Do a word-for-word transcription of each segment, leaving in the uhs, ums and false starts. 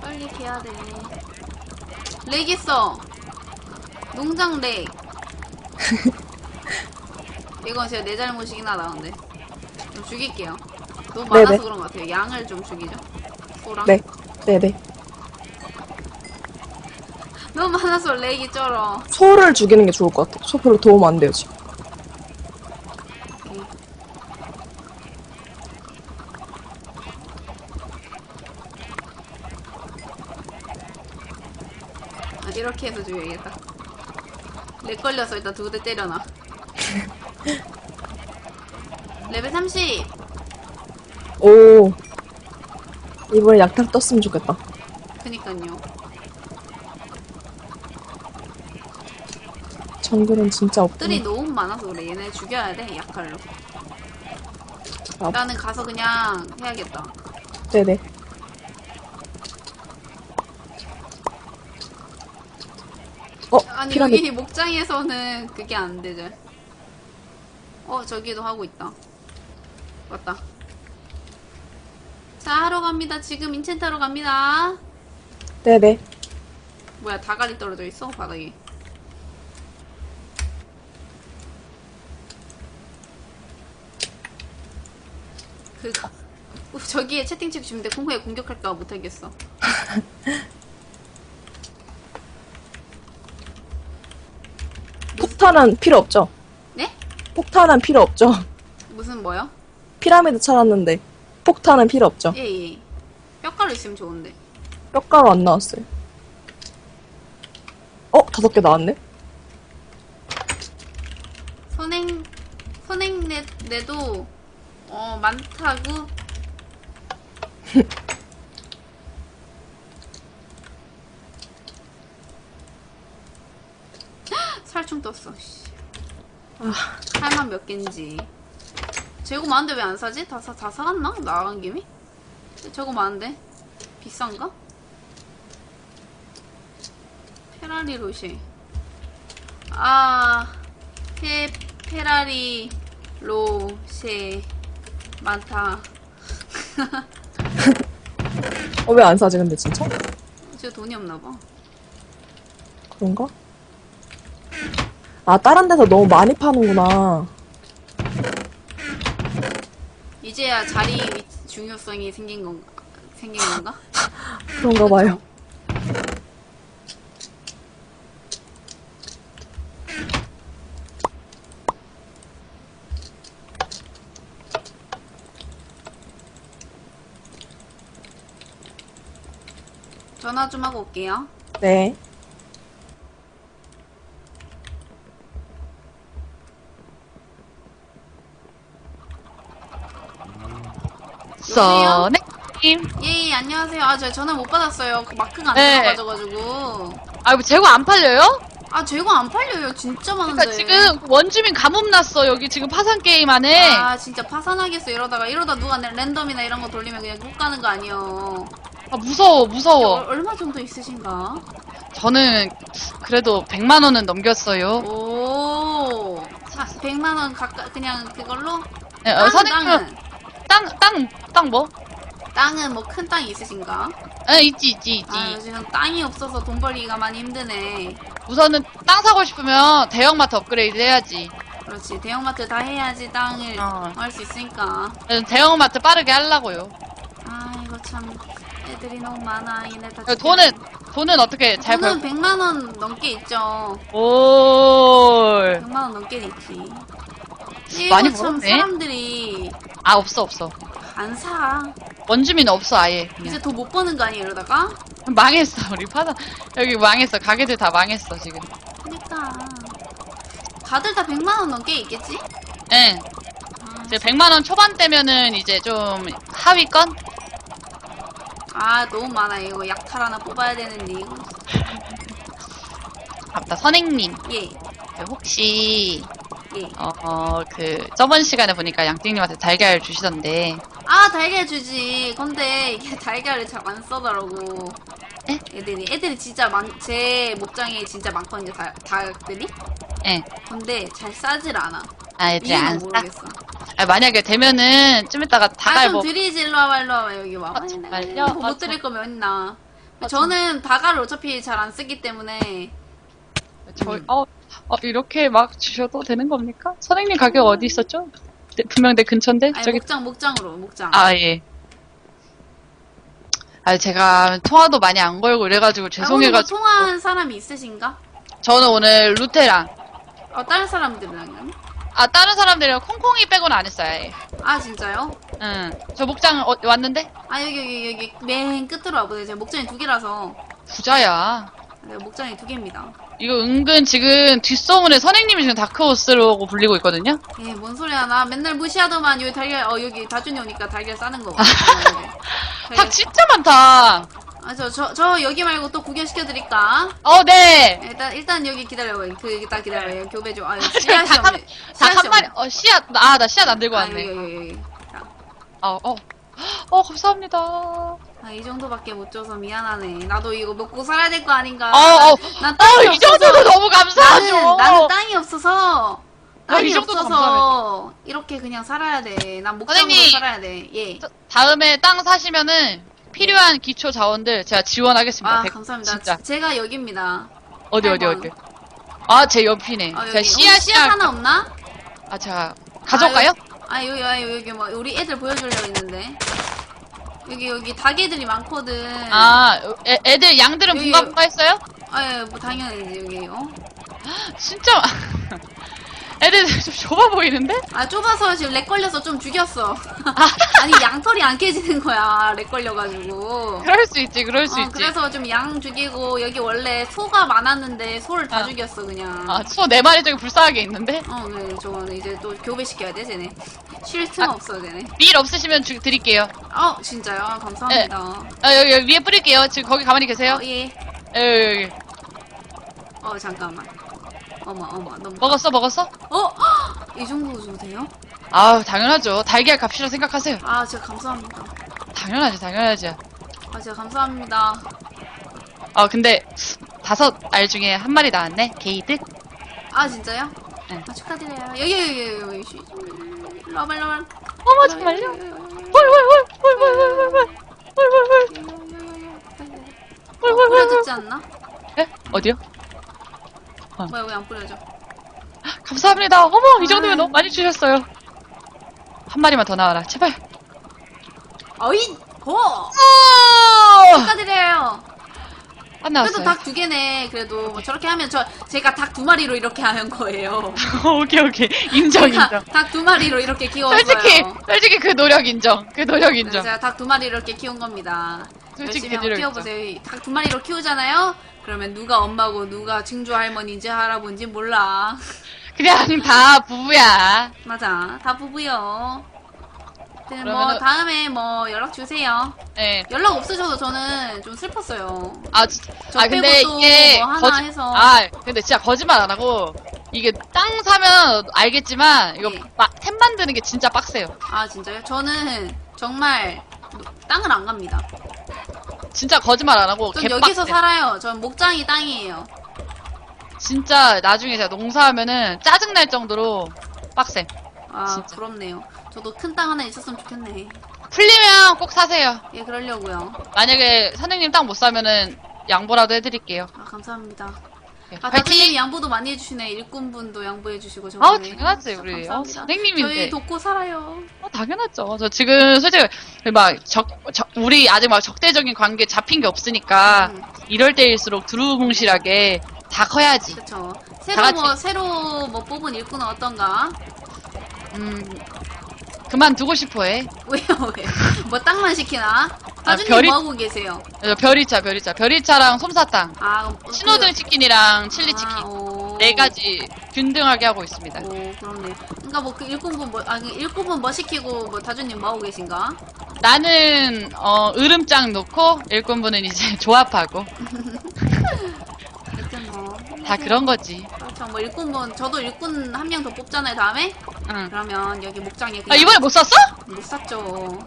빨리 개야 돼. 렉 있어. 농장 렉. 이건 제가 내 잘못이긴 하다, 근데. 좀 죽일게요. 너무 많아서 네네. 그런 것 같아요. 양을 좀 죽이죠. 소랑. 네. 네네. 너무 많아서 렉이 쩔어. 소를 죽이는 게 좋을 것 같아요. 소 별로 도움 안 돼요, 지금. 오케이. 아, 이렇게 해서 죽여야겠다. 렉 걸려서 일단 두 대 때려놔. 레벨 삼십. 오. 이번에 약탈 떴으면 좋겠다. 그니까요. 정글은 진짜 없구나. 뜰이 너무 많아서 그래. 얘네 죽여야 돼, 약할로. 아, 나는 가서 그냥 해야겠다. 네네. 어, 아니, 피라미드. 여기 목장에서는 그게 안 되죠. 어, 저기도 하고 있다. 맞다. 자, 하러 갑니다. 지금 인챈트 하러 갑니다. 네네. 뭐야, 다갈이 떨어져 있어? 바닥에. 그, 어, 저기에 채팅칩 주는데 콩콩에 공격할까 못하겠어. 폭탄은 필요 없죠? 네? 폭탄은 필요 없죠? 무슨 뭐요? 피라미드 찾았는데 폭탄은 필요 없죠? 예, 예. 뼈가루 있으면 좋은데. 뼈가루 안 나왔어요. 어? 다섯 개 나왔네? 선행, 선행내, 내도, 어, 많다고? 살충 떴어, 씨. 아, 살만 몇 갠지. 재고 많은데 왜 안 사지? 다, 사, 다 사갔나? 나간 김에? 재고 많은데? 비싼가? 페라리 로쉐. 아, 페, 페라리 로쉐. 많다. 어, 왜 안 사지 근데 진짜? 저 돈이 없나봐. 그런가? 아, 다른 데서 너무 많이 파는구나. 이제야 자리 위, 중요성이 생긴 건가? 생긴 건가? 그런가 봐요. 전화 좀 하고 올게요. 네. 써네님. 예, 예, 안녕하세요. 아, 제가 전화 못 받았어요. 그 마크가 안 네. 들어가져가지고. 아, 이거 재고 안 팔려요? 아, 재고 안 팔려요. 진짜 많은데. 그러니까 지금 원주민 가뭄 났어. 여기 지금 파산 게임 안에. 아, 진짜 파산하겠어. 이러다가. 이러다 누가 내 랜덤이나 이런 거 돌리면 그냥 국 가는 거 아니에요. 아, 무서워, 얼, 무서워. 얼마 정도 있으신가? 저는 그래도 백만 원은 넘겼어요. 오, 사, 백만 원 가까, 그냥 그걸로? 네, 땅, 어, 선생님은 땅은? 땅, 땅, 땅 뭐? 땅은 뭐 큰 땅이 있으신가? 에, 있지, 있지, 있지. 아, 요즘 땅이 없어서 돈 벌기가 많이 힘드네. 우선은 땅 사고 싶으면 대형마트 업그레이드 해야지. 그렇지. 대형마트 다 해야지 땅을 어. 할 수 있으니까. 저는 대형마트 빠르게 하려고요. 아, 이거 참. 애들이 너무 많아. 얘네 다. 그 돈은, 돈은 어떻게 잘 돈은 벌, 백만 원 넘게 있죠. 올. 백만 원 넘게 있지. 이거 많이 참 벌었네. 사람들이 아, 없어, 없어. 안 사. 원주민 없어, 아예. 그냥. 이제 더 못 버는 거 아니에요, 이러다가? 망했어, 우리 파산. 여기 망했어. 가게들 다 망했어, 지금. 그니까. 다들 다 백만 원 넘게 있겠지? 예. 아, 이제 백만 원 초반대면은 이제 좀 하위권? 아, 너무 많아. 이거 약탈 하나 뽑아야 되는데, 이거. 맞다, 선생님. 예, 그 혹시, 예. 어, 어, 그, 저번 시간에 보니까 양띵님한테 달걀 주시던데. 아, 달걀 주지. 근데 이게 달걀을 잘 안 써더라고. 에? 애들이. 애들이 진짜 많, 제 목장에 진짜 많거든요, 다, 닭들이. 예. 근데 잘 싸질 않아. 아, 이제 이유는 안 싸? 모르겠어. 아, 만약에 되면은 좀 이따가 아, 다갈 좀 뭐. 드리지. 일로 와봐, 일로 와봐. 여기 와봐. 아, 정말요? 뭐 아, 못 드릴 거면 있나. 저는 다가를 어차피 잘 안 쓰기 때문에 저, 음. 어, 어, 이렇게 막 주셔도 되는 겁니까? 선생님 가격 어디 있었죠? 네, 분명 내 근처인데? 아니 저기, 목장 목장으로 목장. 아, 예. 아, 제가 통화도 많이 안 걸고 이래가지고 아, 오늘 뭐 죄송해가지고. 통화한 사람이 있으신가? 저는 오늘 루테랑, 어 다른 사람들이랑요? 아, 다른 사람들이랑 콩콩이 빼고는 안 했어요, 예. 아 진짜요? 응. 저 목장 어, 왔는데? 아 여기 여기 여기 맨 끝으로 와보세요. 제가 목장이 두 개라서 부자야. 네, 목장이 두 개입니다. 이거 은근 지금 뒷소문에 선생님이 지금 다크호스라고 불리고 있거든요? 예, 뭔 소리야. 나 맨날 무시하더만 여기 달걀, 어, 여기 다준이 오니까 달걀 싸는 거 봐. 닭 진짜 많다. 아, 저, 저, 저 여기 말고 또 구경시켜드릴까? 어, 네. 일단, 일단 여기 기다려봐요. 그, 딱 기다려봐요. 교배 좀. 아, 여기 닭 씨앗이 한- 없네. 닭 씨앗이 한 마리, 없네. 어, 씨앗, 아, 나 씨앗 안 들고 아, 왔네. 여기, 여기, 여기. 자, 어, 어. 어, 감사합니다. 아, 이 정도밖에 못 줘서 미안하네. 나도 이거 먹고 살아야 될 거 아닌가. 어, 어. 난 땅이 어, 이 없어서. 정도도 너무 감사하죠. 나는, 나는 땅이 없어서. 어, 땅이 이 정도도 없어서. 이렇게 그냥 살아야 돼. 난 목장으로 선생님. 살아야 돼. 예. 저- 다음에 땅 사시면은 필요한 기초 자원들 제가 지원하겠습니다. 아, 백- 감사합니다. 진짜. 제가 여기입니다. 어디, 어디, 팔 번. 어디. 아, 제 옆이네. 아, 제가 여기. 씨앗, 혹시 씨앗 하나 없나? 아, 제가 가져올까요? 아, 여기, 아, 여기, 여기, 뭐, 우리 애들 보여주려고 했는데. 여기, 여기, 닭애들이 많거든. 아, 애, 애들, 양들은 여기- 분가분가 했어요? 아, 예, 뭐, 당연히, 여기, 어? 진짜. 애들 좀 좁아 보이는데? 아, 좁아서 지금 렉 걸려서 좀 죽였어. 아니, 양털이 안 깨지는 거야, 렉 걸려가지고. 그럴 수 있지, 그럴 수 어, 있지. 그래서 좀 양 죽이고, 여기 원래 소가 많았는데, 소를 다 아. 죽였어, 그냥. 아, 소 네 마리 저기 불쌍하게 있는데? 어, 네, 저거는 이제 또 교배시켜야 돼, 쟤네. 쉴 틈 아. 없어, 쟤네. 밀 없으시면 주, 드릴게요. 어, 진짜요? 아, 감사합니다. 아, 여기, 여기 위에 뿌릴게요. 지금 거기 가만히 계세요. 어, 예. 여기, 여기. 어, 잠깐만. 어머, 어머, 너무. 먹었어, 먹었어? 어? 헉! 이 정도 줘도 돼요? 아우, 당연하죠. 달걀 값이라 생각하세요. 아, 진짜 감사합니다. 당연하지, 당연하지. 아, 진짜 감사합니다. 아, 근데, 다섯 알 중에 한 마리 나왔네? 게이드? 아, 진짜요? 네. 아, 축하드려요. 여기, 여기, 여기, 여기. 쉬- 러발, 러발. 어머, 정말요? 헐, 헐, 헐, 헐, 헐, 헐, 헐, 헐, 헐, 헐, 헐, 헐, 헐, 뿌려졌지 않나? 에? 어디요? 뭐야, 왜 안 뿌려져? 감사합니다. 어머, 이 정도면 아. 너무 많이 주셨어요. 한 마리만 더 나와라, 제발. 어이! 고! 어! 축하드려요. 안 그래도 나왔어요. 닭 두 개네. 그래도 뭐 저렇게 하면 저, 제가 닭 두 마리로 이렇게 하는 거예요. 오케이, 오케이. 인정, 인정. 닭 두 마리로 이렇게 키웠어요. 솔직히, 솔직히 그 노력 인정. 그 노력 네, 인정. 제가 닭 두 마리로 이렇게 키운 겁니다. 솔직히 열심히 한번 노력 키워보세요. 닭 두 마리로 키우잖아요? 그러면 누가 엄마고 누가 증조 할머니인지 할아버지인지 몰라. 그냥 다 부부야. 맞아. 다 부부요. 네, 뭐 그러면은- 다음에 뭐 연락 주세요. 예. 연락 없으셔도 저는 좀 슬펐어요. 아, 진짜. 저 아, 근데 빼고 또 이게, 뭐 하나 거짓, 해서. 아, 근데 진짜 거짓말 안 하고, 이게 땅 사면 알겠지만, 이거 네. 마- 템 만드는 게 진짜 빡세요. 아 진짜요? 저는 정말 땅을 안 갑니다. 진짜 거짓말 안 하고, 전 개빡세. 여기서 살아요. 전 목장이 땅이에요. 진짜 나중에 제가 농사하면은 짜증날 정도로 빡세. 아 진짜. 부럽네요. 저도 큰 땅 하나 있었으면 좋겠네. 풀리면 꼭 사세요. 예 그러려고요. 만약에 선생님 땅 못 사면은 양보라도 해드릴게요. 아 감사합니다. 예, 아 파이팅! 다주님 양보도 많이 해주시네. 일꾼분도 양보해주시고 아우, 저번에. 당연하지, 아, 우리. 어, 감사합니다. 선생님인데. 저희 돕고 살아요. 어, 당연하죠. 저 지금 솔직히 막 적, 적- 우리 아직 막 적대적인 관계 잡힌 게 없으니까 음. 이럴 때일수록 두루뭉실하게 다 커야지. 그쵸. 다 새로 같이. 뭐 새로 뭐 뽑은 일꾼은 어떤가? 음, 그만두고 싶어해. 왜요 왜? 뭐 땅만 시키나? 다주님 별이- 뭐 하고 계세요? 어, 별이차, 별이차. 별이차랑 솜사탕. 아 신호등 치킨이랑 칠리 치킨. 아, 오. 네 가지 균등하게 하고 있습니다. 오 그렇네. 그러니까 뭐 그 일꾼분 뭐 아니 일꾼분 뭐 시키고 뭐 다주님 뭐 하고 계신가? 나는 어, 으름장 놓고 일꾼분은 이제 조합하고 하여튼 뭐 다 그런 거지. 그렇죠. 뭐 일꾼분 저도 일꾼 한 명 더 뽑잖아요 다음에. 응. 그러면 여기 목장에 아, 그냥 이번에 못 샀어? 못 샀죠.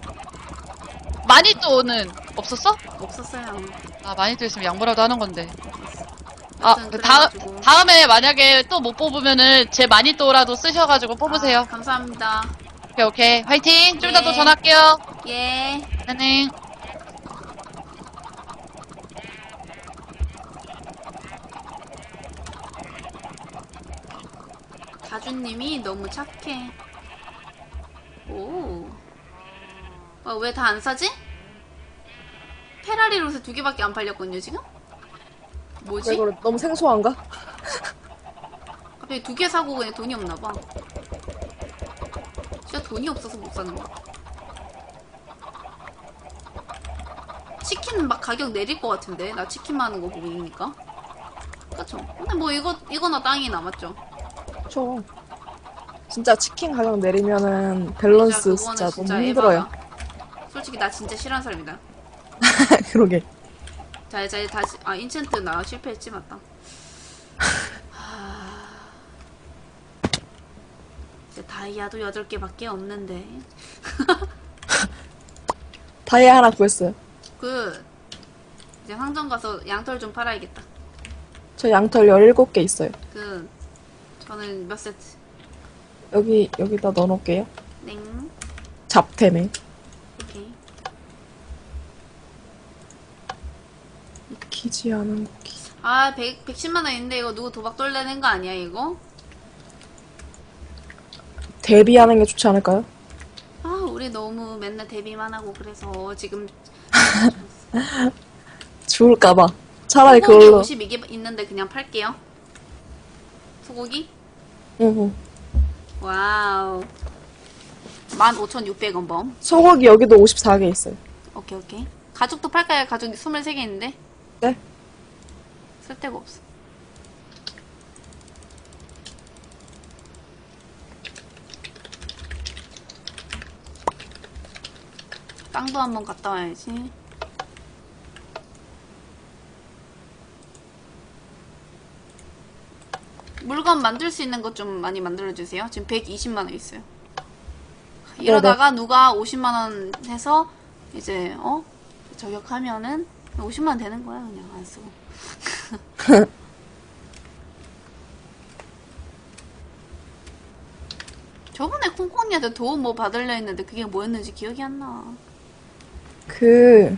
마니또는 없었어? 없었어요. 아, 마니또 있으면 양보라도 하는 건데. 아, 하여튼 그 다, 그래가지고. 다음에 만약에 또 못 뽑으면은 제 마니또라도 쓰셔가지고 뽑으세요. 아, 감사합니다. 오케이, 오케이. 화이팅! 좀 이따 네. 또 전화할게요. 예. 안녕. 다주님이 너무 착해. 오. 어, 왜 다 안 사지? 페라리 로세 두 개밖에 안 팔렸거든요, 지금? 뭐지? 왜 그래? 너무 생소한가? 갑자기 두 개 사고 그냥 돈이 없나봐. 진짜 돈이 없어서 못 사는 거야. 치킨 막 가격 내릴 것 같은데? 나 치킨 많은 거 보이니까. 그쵸? 근데 뭐 이거, 이거나 땅이 남았죠. 그쵸. 진짜 치킨 가격 내리면은 밸런스 진짜, 그거는 너무 힘들어요. 에바다. 솔직히 나 진짜 싫어하는 사람이다. 그러게. 자, 이제 다시, 아, 인챈트 나 실패했지, 맞다. 하... 이제 다이아도 여덟 개밖에 없는데. 다이아 하나 구했어요. 그, 이제 상점 가서 양털 좀 팔아야겠다. 저 양털 열일곱 개 있어요. 그, 저는 몇 세트? 여기, 여기다 넣어놓을게요. 넹. 잡템에. 오케이. 익히지 않은 고기. 아, 백, 백십만 원 있는데 이거 누구 도박 돌려낸 거 아니야, 이거? 대비하는 게 좋지 않을까요? 아, 우리 너무 맨날 데뷔만 하고 그래서 지금 죽을까봐. 차라리 소고기 그걸로. 오십이 개 있는데 그냥 팔게요. 소고기? 응, 응. 와우. 만 오천육백 원 범. 소고기 여기도 오십사 개 있어요. 오케이, 오케이. 가죽도 팔까요? 가죽 이십삼 개 있는데? 네? 쓸데가 없어. 땅도 한번 갔다 와야지. 물건 만들 수 있는 것 좀 많이 만들어주세요. 지금 백이십만 원 있어요. 이러다가 누가 오십만 원 해서 이제 어? 저격하면은 오십만 원 되는 거야. 그냥 안 쓰고. 저번에 콩콩이한테 도움 뭐 받으려 했는데 그게 뭐였는지 기억이 안 나. 그,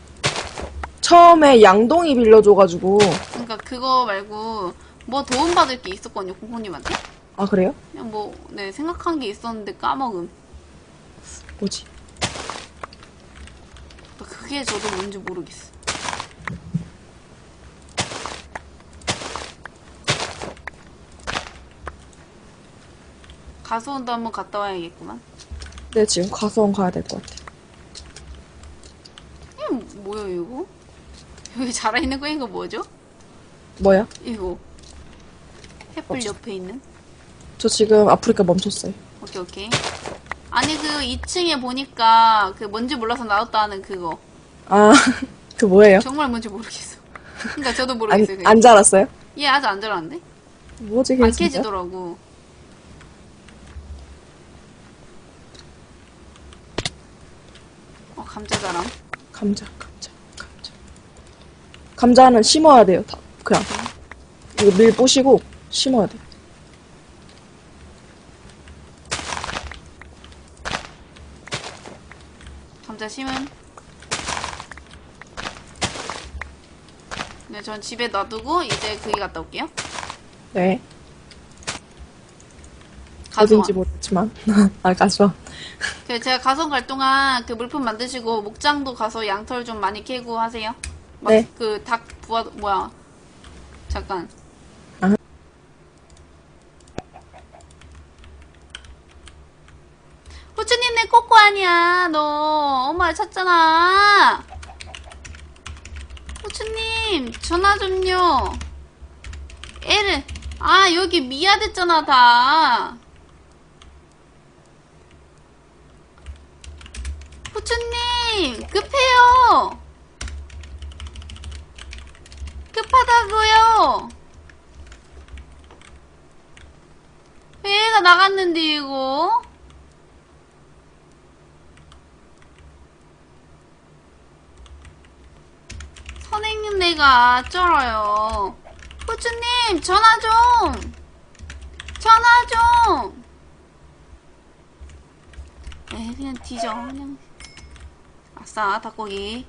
처음에 양동이 빌려줘가지고. 그러니까 그거 말고 뭐 도움 받을 게 있었거든요, 콩콩님한테. 아, 그래요? 그냥 뭐, 네, 생각한 게 있었는데 까먹음. 뭐지? 그게 저도 뭔지 모르겠어. 가수원도 한번 갔다 와야겠구만. 네, 지금 가수원 가야 될 것 같아요. 이게 뭐야, 이거? 여기 자라있는 거 이거 뭐죠? 뭐야? 이거. 햇불 없어. 옆에 있는? 저 지금 아프리카 멈췄어요. 오케이, 오케이. 아니, 그 이 층에 보니까 그 뭔지 몰라서 나왔다 하는 그거. 아, 그 뭐예요? 정말 뭔지 모르겠어. 그러니까 저도 안, 모르겠어요. 그게. 안 자랐어요? 얘 아직 안 자랐는데? 뭐지, 그게 안 진짜? 깨지더라고. 어, 감자자랑. 감자, 감자, 감자. 감자는 심어야 돼요, 다. 그냥. 이거 밀 부시고 심어야 돼. 감자 심은. 네, 전 집에 놔두고 이제 거기 갔다 올게요. 네. 가수원. 어딘지 모르겠지만. 아, 가수원. 그 제가 가수원 갈 동안 그 물품 만드시고 목장도 가서 양털 좀 많이 캐고 하세요. 막 네. 그 닭 부화 뭐야? 잠깐. 아. 후추님 내 꼬꼬 아니야. 너 엄마 찾잖아. 후추님 전화 좀요. 애를 아 여기 미아 됐잖아 다. 후추님 급해요. 급하다고요. 회의가 나갔는데 이거. 선생님 내가 쩔어요. 후추님 전화 좀. 전화 좀. 에이 그냥 뒤져 그냥. 아싸 닭고기.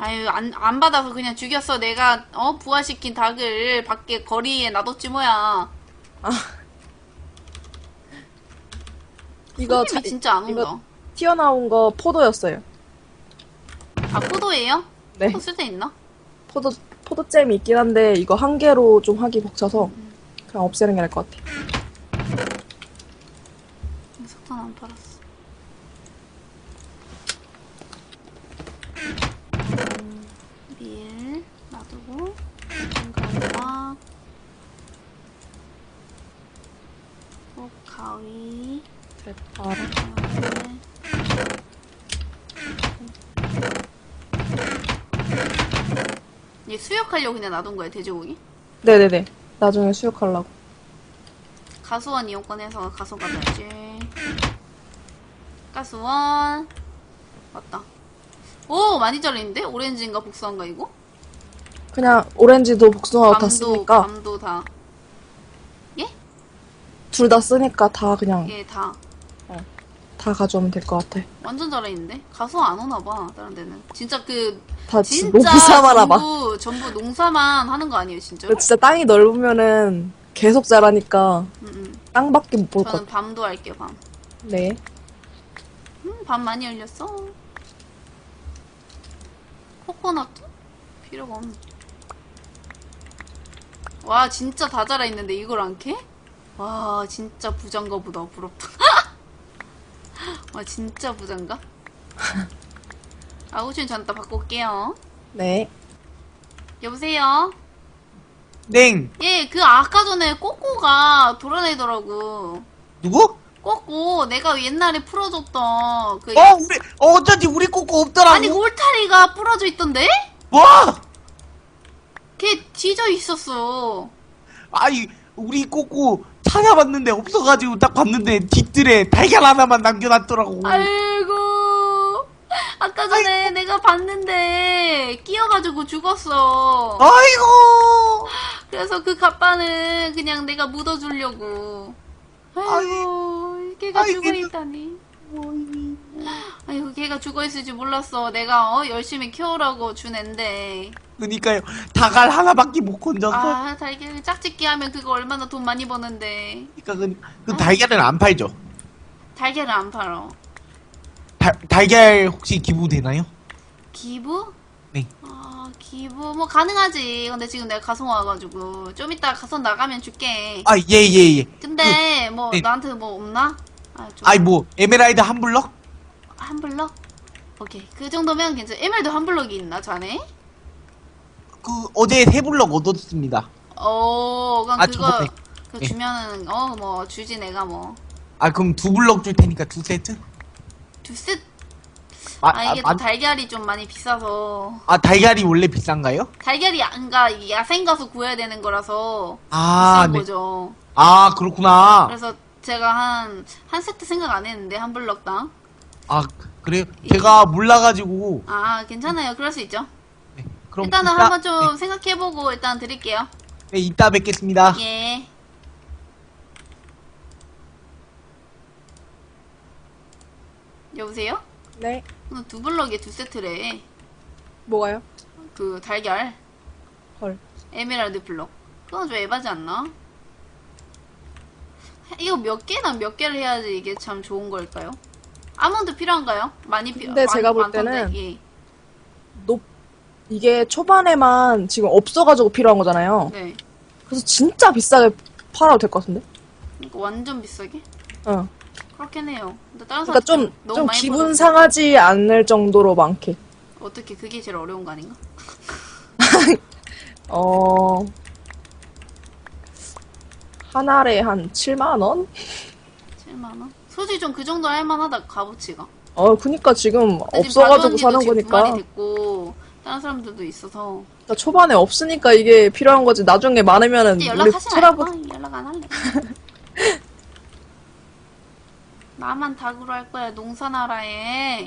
아유, 안, 안 받아서 그냥 죽였어. 내가, 어, 부화시킨 닭을 밖에 거리에 놔뒀지, 뭐야. 이거 손님이 자- 진짜 안 이거 온다. 튀어나온 거 포도였어요. 아, 포도예요? 네. 포도 쓸 데 있나? 포도, 포도잼이 있긴 한데, 이거 한 개로 좀 하기 벅차서, 그냥 없애는 게 나을 것 같아. 석탄 안 팔았어. 밀 놔두고 가루와 또 가위 대파랑. 그다음에 얘 수육하려고 그냥 놔둔 거야 돼지고기? 네네네. 나중에 수육하려고. 가수원 이용권 해서 가수 가져야지. 가수원 맞다. 오 많이 잘리는데? 오렌지인가 복숭아인가 이거? 그냥 오렌지도 복숭아도 다 밤도 쓰니까, 밤도 다. 둘 다 쓰니까 다 그냥, 예, 다. 다 가져오면 될 것 같아. 완전 잘했는데? 가수 안 오나 봐, 다른 데는. 진짜 그, 다 진짜 농사만 하봐. 전부, 전부 농사만 하는 거 아니에요, 진짜? 근데 진짜 땅이 넓으면은 계속 자라니까 응, 응. 땅밖에 못 볼 것 저는 같아. 밤도 할게요, 밤. 네. 음, 밤 많이 열렸어. 코코넛? 필요가 없네. 와, 진짜 다 자라있는데 이걸 안 캐? 와, 진짜 부장가 보다. 부럽다. 와, 진짜 부장가? 아, 우진 전다 바꿔 올게요. 네. 여보세요? 땡. 예, 그 아까 전에 꼬꼬가 돌아다니더라고. 누구? 꼬꼬, 내가 옛날에 풀어줬던 그. 어, 우리, 어, 어쩐지 우리 꼬꼬 없더라고. 아니, 울타리가 부러져 있던데? 뭐? 걔 뒤져 있었어. 아니, 우리 꼬꼬 찾아봤는데 없어가지고 딱 봤는데 뒷뜰에 달걀 하나만 남겨놨더라고. 아이고. 아까 전에 내가 봤는데 끼어가지고 죽었어. 아이고. 그래서 그 갑바는 그냥 내가 묻어주려고. 아이고, 걔가 아이, 죽어있다니. 아이고, 걔가 죽어있을 줄 몰랐어. 내가 어 열심히 키우라고 준 앤데. 그니까요. 닭알 하나밖에 못 건졌어. 아, 달걀 짝짓기 하면 그거 얼마나 돈 많이 버는데. 그니까 그, 그 달걀은 안 팔죠. 달걀을 안 팔어. 달, 달걀 혹시 기부되나요? 기부? 네. 아, 기부 뭐 가능하지. 근데 지금 내가 가성 와가지고 좀 이따 가성 나가면 줄게. 아, 예, 예, 예. 근데 뭐 네. 나한테 뭐 없나? 아, 좀 아이, 뭐, 에메랄드 한 블럭? 한 블럭? 오케이. 그 정도면 괜찮아. 에메랄드 한 블럭이 있나, 자네? 그, 어제 세 블럭 얻었습니다. 어, 그럼 아, 그거 저번에. 그 네. 주면은 어 뭐 주지 내가 뭐 아, 그럼 두 블럭 줄 테니까 두 세트? 두 셋. 아, 아, 이게 아, 또 달걀이 좀 많이 비싸서 아, 달걀이 원래 비싼가요? 달걀이 안가 야생 가서 구해야 되는 거라서 아, 비싼 네. 거죠. 아, 그렇구나. 그래서 제가 한 한 세트 생각 안 했는데 한 블럭당. 아, 그래요? 제가 몰라가지고. 아, 괜찮아요. 그럴 수 있죠. 네, 그럼 일단은 이따- 한번 좀 생각해보고 일단 드릴게요. 네, 이따 뵙겠습니다. 예. 여보세요? 네. 오늘 두 블럭에 두 세트래. 뭐가요? 그 달걀. 헐. 에메랄드 블럭. 그건 좀 에바지 않나? 이거 몇 개나 몇 개를 해야지 이게 참 좋은 걸까요? 아몬드 필요한가요? 많이 필요. 근데 제가 볼 때는 많던데? 예. 높, 이게 초반에만 지금 없어가지고 필요한 거잖아요. 네. 그래서 진짜 비싸게 팔아도 될 것 같은데? 그러니까 완전 비싸게? 어. 그렇긴 해요. 근데 다른 그러니까 사람 좀, 너무 좀 많이 기분 벌어서 상하지 않을 정도로 많게. 어떻게 그게 제일 어려운 거 아닌가? 어, 한 알에 한 칠만 원? 칠만 원? 솔직히 좀 그 정도 할만하다 값어치가. 어, 그니까 지금 근데 지금 없어가지고 바로 사는 언니도 지금 두 마리 거니까. 됐고 다른 사람들도 있어서 그러니까 초반에 없으니까 이게 필요한 거지. 나중에 많으면은 이제 우리 연락하지 쳐다보, 말고 연락 안 할래. 나만 닭으로 할 거야 농사나라에.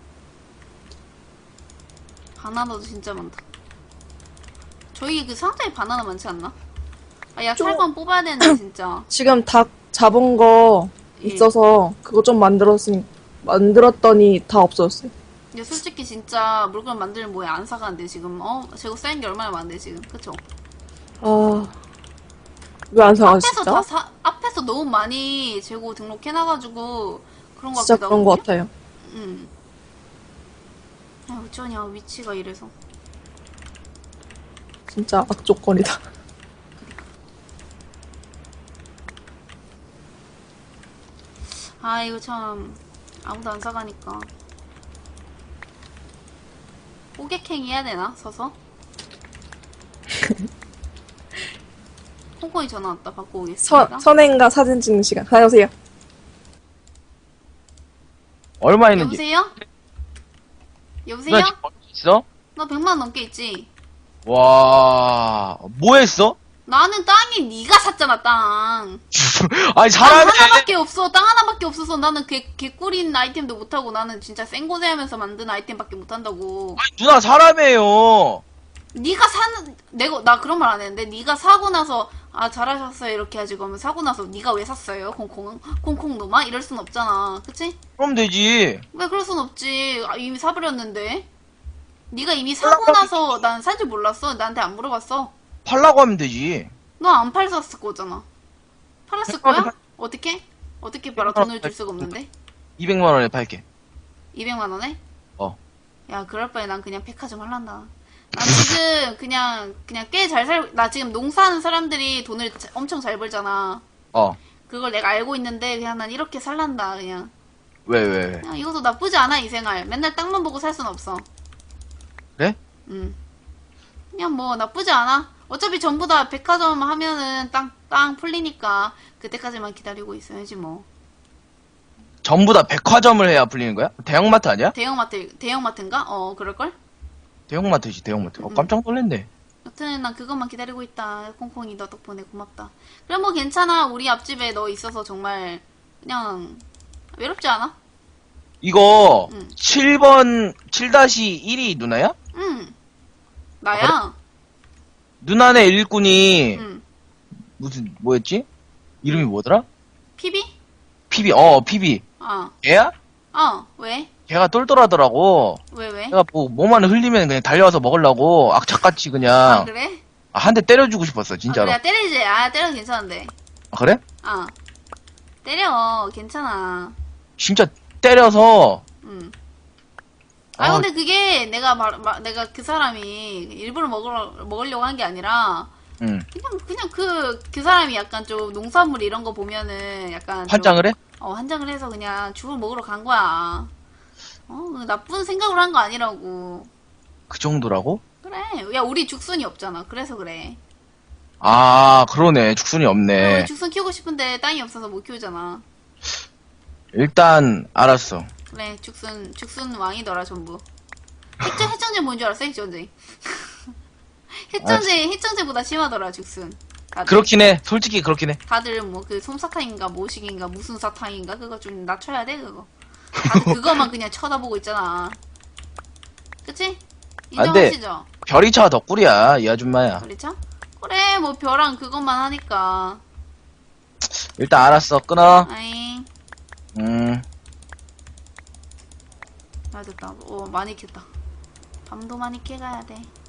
바나나도 진짜 많다. 저희 그 상자에 바나나 많지 않나? 아, 야 좀- 살건 뽑아야 되는데 진짜. 지금 닭 잡은 거 예. 있어서 그거 좀 만들었으니, 만들었더니 다 없어졌어요. 근데 솔직히 진짜 물건 만들면 뭐에 안 사가는데 지금 어 재고 쌓인 게 얼마나 많은데 지금 그쵸? 아, 왜 안 사가, 앞에서 진짜? 다 사, 앞에서 너무 많이 재고 등록해놔가지고 그런 거 진짜 같기도 그런 거 하거든요? 같아요. 응. 야 어쩌냐 위치가 이래서. 진짜 악조건이다. 아 이거 참 아무도 안 사가니까 호객행위 해야 되나 서서? 콩콩이 전화 왔다 받고 오겠습니다. 선, 선행과 사진 찍는 시간. 다녀오세요. 얼마 있는지. 여보세요? 여보세요? 누나 지금 얼마 있어? 너 백만 원 넘게 있지? 와, 뭐 했어? 나는 땅이 네가 샀잖아 땅. 아니, 땅 사람이. 하나밖에 없어. 땅 하나밖에 없어서 나는 개, 개꿀인 아이템도 못하고 나는 진짜 생고생하면서 만든 아이템밖에 못한다고. 아니, 누나 사람이에요. 네가 사는 내가 나 그런 말 안 했는데 네가 사고 나서 아 잘하셨어요 이렇게 하지 그러면 사고 나서 네가 왜 샀어요 콩콩 콩콩 놈아 이럴 순 없잖아 그치? 그럼 되지. 왜 그럴 순 없지 아, 이미 사버렸는데 네가 이미 사고 나서 난 산 줄 몰랐어 나한테 안 물어봤어 팔라고 하면 되지. 너 안 팔았을 거잖아 팔았을 거야? 어떻게? 어떻게 팔아 돈을 줄 수가 없는데 이백만 원에 팔게. 이백만 원에? 어. 야 그럴 바에 난 그냥 백화점 할란다 난 지금 그냥 그냥 꽤 잘 살 나 지금 농사하는 사람들이 돈을 자- 엄청 잘 벌잖아 어. 그걸 내가 알고 있는데 그냥 난 이렇게 살란다 그냥 왜, 왜, 왜? 그냥 이것도 나쁘지 않아 이 생활 맨날 땅만 보고 살 순 없어 그래? 응 그냥 뭐 나쁘지 않아 어차피 전부 다 백화점 하면은 땅, 땅 풀리니까 그때까지만 기다리고 있어야지 뭐 전부 다 백화점을 해야 풀리는 거야? 대형마트 아니야? 대형마트 대형마트인가? 어 그럴걸? 대형마트지, 대형마트. 어, 음. 깜짝 놀랐네. 여튼 난 그것만 기다리고 있다 콩콩이 너 덕분에 고맙다 그래 뭐 괜찮아 우리 앞집에 너 있어서 정말 그냥 외롭지 않아? 이거, 응. 칠 번, 칠 일이 누나야? 응 나야 누나네 일꾼이, 응 무슨, 뭐였지? 이름이 뭐더라? 피비? 피비, 어, 피비. 어 걔야? 어, 왜? 걔가 똘똘하더라고. 왜, 왜? 내가 뭐, 뭐만 흘리면 그냥 달려와서 먹으려고 악착같이 아, 그냥, 그래? 아, 한 대 때려주고 싶었어, 아, 진짜로. 그래, 때리지. 아, 때려도 괜찮은데. 아, 그래? 어. 때려. 괜찮아. 진짜 때려서, 응. 아, 아. 근데 그게 내가 말, 말- 내가 그 사람이 일부러 먹으러, 먹으려고 한 게 아니라, 응. 그냥, 그냥 그, 그 사람이 약간 좀 농산물 이런 거 보면은 약간. 좀- 환장을 해? 어, 한장을 해서 그냥 죽을 먹으러 간 거야. 어, 그 나쁜 생각을 한 거 아니라고. 그 정도라고? 그래. 야, 우리 죽순이 없잖아. 그래서 그래. 아, 그러네. 죽순이 우리 없네. 죽순 키우고 싶은데 땅이 없어서 못 키우잖아. 일단, 알았어. 그래, 죽순, 죽순 왕이더라, 전부. 핵전, 핵전쟁 뭔 줄 알았어, 핵전쟁? 핵전쟁, 핵전쟁보다 심하더라, 죽순. 다들, 그렇긴 해. 솔직히 그렇긴 해. 다들 뭐, 그, 솜사탕인가, 모식인가, 무슨 사탕인가, 그거 좀 낮춰야 돼, 그거. 다들 그거만 그냥 쳐다보고 있잖아. 그치? 안 돼. 인정하시죠? 별이 차 덕꿀이야, 이 아줌마야. 그렇죠? 그래, 뭐, 벼랑 그것만 하니까. 일단 알았어. 끊어. 아잉. 음. 아, 됐다. 오, 많이 캤다. 밤도 많이 캐가야 돼.